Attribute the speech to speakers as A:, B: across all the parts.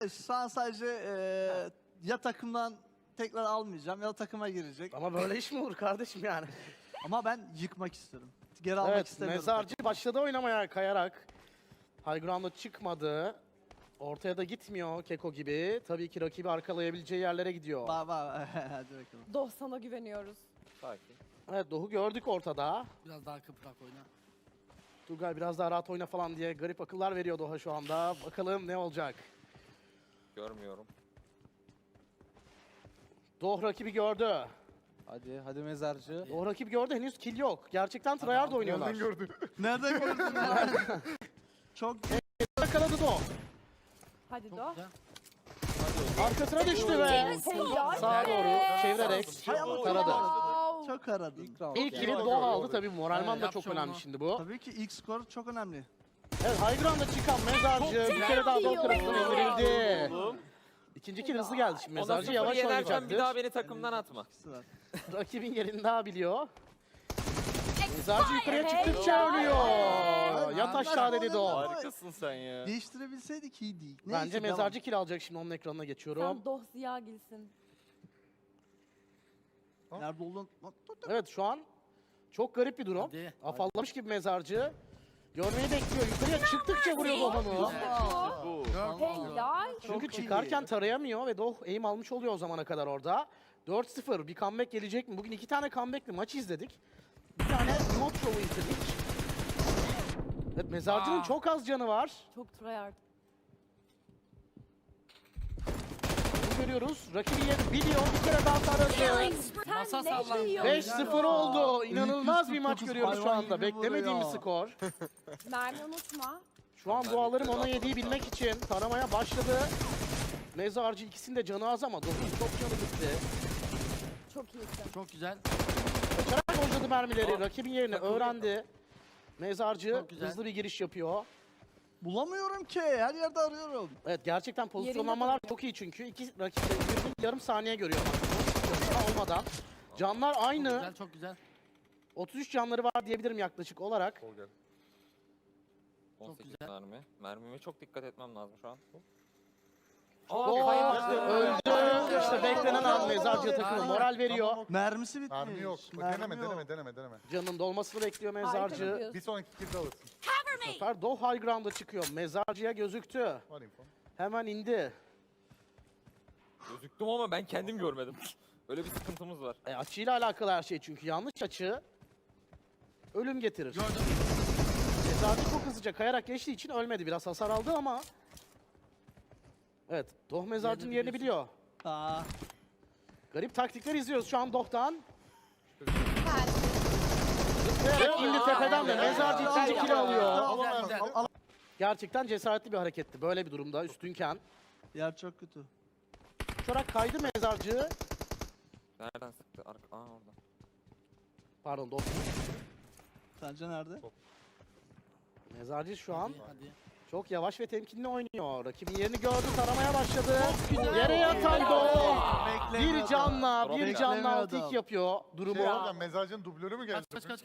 A: Şu an sadece ya takımdan tekrar almayacağım ya da takıma girecek.
B: Ama böyle iş mi olur kardeşim yani?
A: Ama ben yıkmak istiyorum. Geri almak
B: Evet,
A: istemiyorum.
B: mezarcı başladı oynamaya kayarak. High ground'a çıkmadı. Ortaya da gitmiyor Keko gibi. Tabii ki rakibi arkalayabileceği yerlere gidiyor.
A: Hadi bakalım.
C: Doh sana güveniyoruz.
D: Sakin.
B: Evet, Doğu gördük ortada.
E: Biraz daha kıprak oyna.
B: Turgay biraz daha rahat oyna falan diye garip akıllar veriyor Doğa şu anda. Bakalım ne olacak.
D: Görmüyorum.
B: Doh rakibi gördü.
F: Hadi mezarcı.
B: Doh rakibi gördü, henüz kill yok. Gerçekten tryhard oynuyorlar.
A: Nereden gördün ya? Çok
B: Yakaladı Doh.
C: Hadi
E: Çok
C: Doh.
E: güzel.
B: Arkasına düştü ve
C: Helal
B: sağa
C: be.
B: doğru çevirerek taradı.
C: Wow.
A: çok aradım.
B: İlk kill'i
F: yani.
B: Doh aldı tabii. Moralman
E: Evet,
B: da
E: yap
B: çok
E: şovunu.
B: önemli şimdi bu.
A: Tabii ki ilk skor çok önemli.
B: Evet, High Ground'a çıkan mezarcı bir kere daha Doh tarafından indirildi.
D: Oğlum.
B: İkinci kill hızlı geldi şimdi.
D: Ona
B: Mezarcı
D: sıfır
B: yavaş
D: yenersen bir
B: oynayacaktır.
D: daha beni takımdan atma.
A: İkisi var.
B: Rakibin yerini daha biliyor. Mezarcı yukarıya çıktıkça
C: Helal.
B: ölüyor. Yat
A: Ben-
B: aşağı dedi Doh.
D: Harikasın sen ya.
A: Değiştirebilseydik iyiydi.
B: Bence mezarcı kill alacak şimdi, onun ekranına geçiyorum.
C: Sen Doh Ziya gilsin.
A: Nerede olduğunu...
B: Evet, şu an çok garip bir durum.
E: Hadi.
B: Afallamış gibi mezarcı. Görmeyi bekliyor. Yukarıya çıktıkça vuruyor Doh'unu.
D: Bu.
C: Helal.
B: Çünkü
A: Çok
B: çıkarken
A: iyi.
B: tarayamıyor ve Doh aim almış oluyor o zamana kadar orada. 4-0 bir comeback gelecek mi? Bugün 2 tane comeback'li maç izledik. Bir tane mod show'u izledik. Evet, mezarcının çok az canı var.
C: Çok tryhard.
B: Bunu görüyoruz. Rakibi yerini biliyor. Bir kere daha taradı.
E: Masa
C: Sen ne
E: sallandı.
C: yiyorsun?
B: 5-0 oldu. İnanılmaz bir maç
A: 349
B: görüyoruz şu
A: hayvan
B: anda.
A: gibi
B: Beklemediğimiz
A: vuruyor.
B: skor.
C: Mermi unutma.
B: Şu an duaların ona yediği bilmek için taramaya başladı. Mezarcı ikisinin de canı az ama Doh'un çok canı gitti.
C: Çok iyisin.
E: Çok güzel.
B: Kaçarak boşladı mermileri. Rakibin yerini öğrendi. Mezarcı
E: Çok güzel.
B: hızlı bir giriş yapıyor.
A: Bulamıyorum ki. Her yerde arıyorum.
B: Evet, gerçekten pozisyonlamalar çok iyi çünkü. İki rakip de birbirini yarım saniye görüyor. Olmadan. Canlar
E: Çok
B: aynı.
E: güzel, çok güzel.
B: 33 canları var diyebilirim yaklaşık olarak.
D: 18
E: güzel.
D: mermi. Mermime çok dikkat etmem lazım şu an.
B: Doh öldü. İşte beklenen an mezarcı takımı moral veriyor.
A: Mermisi bitmiş.
G: Mermi yok. Bak,
A: Mermi
G: deneme.
B: Canın dolmasını bekliyor
C: Harika
B: mezarcı.
C: gidiyorsun.
G: Bir sonraki kilde alırsın.
B: Bu sefer Doh high ground'a çıkıyor. Mezarcıya gözüktü.
G: Var info.
B: Hemen indi.
D: Gözüktüm ama ben kendim görmedim. Öyle bir sıkıntımız var.
B: Açıyla alakalı her şey çünkü yanlış açı ölüm getirir.
E: Gördüm.
B: Mezarcı çok hızlıca kayarak geçtiği için ölmedi. Biraz hasar aldı ama. Evet, Doh mezarcının yerini biliyor.
A: Aa,
B: Garip taktikler izliyoruz şu an Doh'tan.
C: Mermi.
B: Evet, indi tepeden de mezarcı ikinci kill alıyor.
E: Güzel, güzel.
B: Gerçekten cesaretli bir hareketti böyle bir durumda üstünken.
A: yer çok kötü.
B: Uçarak kaydı mezarcı.
D: Nereden sıktı? Aa orada.
B: Pardon, Doh.
A: Sence nerede?
B: Mezarcı şu an
E: Hadi.
B: çok yavaş ve temkinli oynuyor. Rakibin yerini gördü, taramaya başladı. Yere yatan Doh. Bir
A: Beklemiyordu.
B: canla, bir
A: Beklemiyordu.
B: canla 6-2 yapıyor durumu.
G: Hocam mezarcının dublörü mü geldi?
E: Kaç.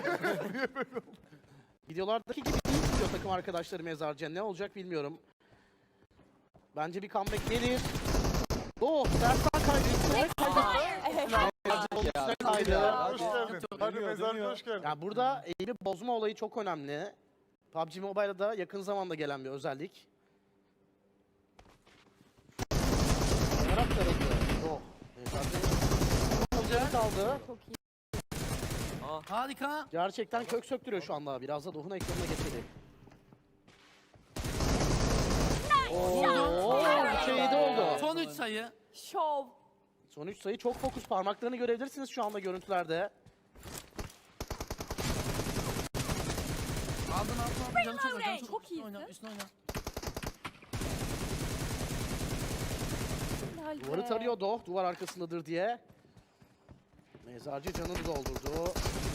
B: Videolardaki gibi değil diyor takım arkadaşları mezarcıya. Ne olacak bilmiyorum. Bence bir comeback gelir. Doh, tersten kaydı. Üstüne kaydı. Üstüne kaydı.
G: Hoş geldin. Hadi mezarcı hoş geldin.
B: Yani burada eğimi bozma olayı çok önemli. PUBG Mobile'da yakın zamanda gelen bir özellik. Yarak tarafı. Doh. Mezarcı kaldı.
C: Çok iyi.
E: Harika.
B: Gerçekten kök söktürüyor şu anda. Biraz da Doh'un ekranına geçelim. Ooo, 3'e 7 oldu.
E: Son 3 sayı.
C: Şov.
B: Son 3 sayı çok fokus. Parmaklarını görebilirsiniz şu anda görüntülerde.
E: Aldın. Canı çok var, canı çok.
C: Çok
E: Üstüne oyna,
C: iyisin.
E: üstüne oyna.
C: Helal
B: Duvarı
C: be.
B: tarıyor Doh, duvar arkasındadır diye. Mezarcı canını doldurdu.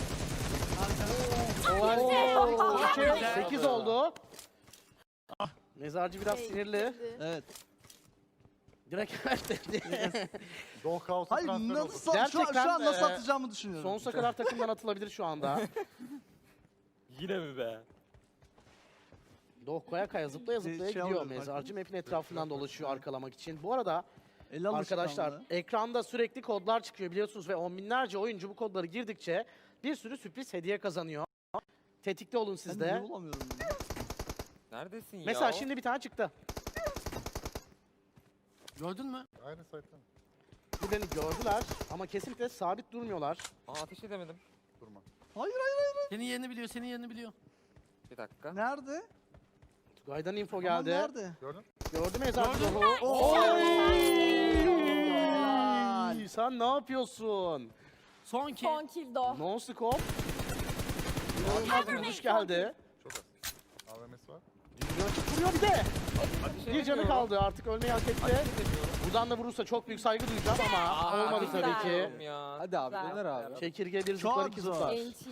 B: Oo, 8 oldu. Mezarcı biraz sinirli.
A: Evet.
B: Direkt evet dedi.
G: Doğu kaosa
A: Hayır
G: transfer oldu.
A: nasıl şu
B: Gerçekten,
A: an nasıl atacağımı düşünüyorum.
B: Sonsuza kadar takımdan atılabilir şu anda.
D: Yine mi be?
B: Doh kaya kaya zıplaya zıplaya
A: Şey
B: gidiyor.
A: alıyor,
B: Mezarcı map'in etrafından dolaşıyor arkalamak için. Bu arada
A: El
B: arkadaşlar
A: alışkanlığı.
B: ekranda sürekli kodlar çıkıyor biliyorsunuz ve on binlerce oyuncu bu kodları girdikçe bir sürü sürpriz hediye kazanıyor. Tetikte olun siz
A: Ben niye
B: de.
A: bulamıyorum bunu?
D: Neredesin ya?
B: Mesela şimdi bir tane çıktı.
E: Gördün mü?
G: Aynı site'den.
B: Birbirlerini gördüler ama kesinlikle sabit durmuyorlar.
D: Aa, ateş edemedim.
G: Durma.
A: Hayır hayır hayır.
E: Senin yerini biliyor, senin yerini biliyor.
D: Bir dakika.
A: Nerede?
B: Tugay'dan info
A: Tamam,
B: geldi.
A: nerede?
G: Gördün?
B: Gördü Mezarcı
E: Gördüm.
B: Doh'u.
A: Helal.
B: Oy! Sen ne yapıyorsun?
E: Son ki.
C: Son kill do.
B: No scope. İnanılmaz bir vuruş geldi.
G: Çok az. AVM'si var.
B: Bir açık vuruyor bir de.
D: Ateş
B: Bir canı
D: edemiyorum.
B: kaldı artık ölmeyi hak etti.
D: Ateş edemiyorum.
B: Buradan da vurursa çok büyük saygı duyacağım ama olmadı
C: güzel.
B: tabii ki.
D: Edemiyorum ya.
F: Hadi abi
C: Güzel.
F: döner abi.
B: Çekirge bir
A: Çok
B: zıplar iki
A: zor.
B: zıplar.
C: NT.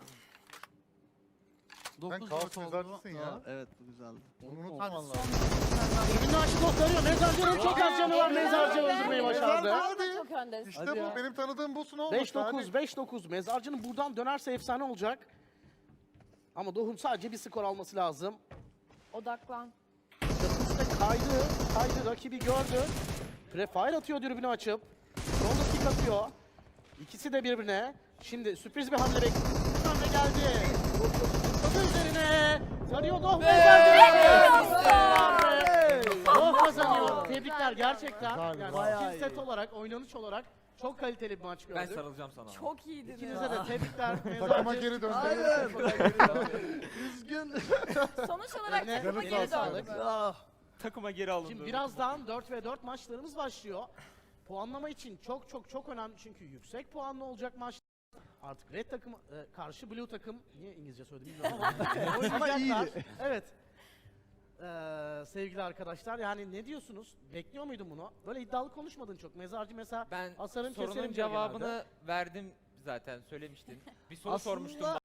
G: Sen
E: 9
G: kaos
E: 4 oldu.
G: mezarcısın ya.
A: Aa, evet bu güzeldi.
G: Bunu
E: Hadi
G: unutmaman
E: son
G: lazım.
B: Ürünü açık gösteriyor. Mezarcı'nın çok az canı var. Mezarcı öldürmeyi başardı.
G: Hadi.
C: Çok öndesin.
G: İşte
F: Hadi
G: bu.
F: ya.
G: Benim tanıdığım busun olmuş.
B: 5-9, 5-9. Mezarcı'nın buradan dönerse efsane olacak. Ama Doh'un sadece bir skor alması lazım.
C: Odaklan.
B: Çatısında kaydı, rakibi gördü. Prefire atıyor dürbünü açıp. Sonra kick atıyor. İkisi de birbirine. Şimdi sürpriz bir hamle bekliyor. Hamle geldi. Zıpladı üzerine. Sarıyor Doh Doh kazanıyor. Tebrikler gerçekten.
G: Güzel,
B: Yani
A: bayağı
B: skill set
A: iyi.
B: olarak, oynanış olarak çok kaliteli bir maç
D: Ben
B: gördük.
D: sarılacağım sana.
C: Çok iyiydiniz.
B: İkinize de tebrikler.
G: Takıma
B: Mezarcı.
G: geri döndü.
A: Hayır. Üzgün.
C: Sonuç olarak
B: Eline
C: takıma
G: canı
C: geri
B: sağlık.
C: döndü.
A: Ah.
D: Takıma geri alındı.
B: Şimdi birazdan 4 ve 4 maçlarımız başlıyor. Puanlama için çok önemli çünkü yüksek puanlı olacak maç. Artık Red takım karşı Blue takım niye İngilizce söyledim bilmiyorum ama oynayacaklar.
A: iyiydi.
B: Evet. Sevgili arkadaşlar yani ne diyorsunuz? Bekliyor muydun bunu? Böyle iddialı konuşmadın çok. Mezarcı mesela
H: Ben
B: asarım
H: sorunun
B: keserim diyor
H: cevabını
B: genelde.
H: verdim zaten söylemiştin. Bir soru
A: Aslında
H: sormuştum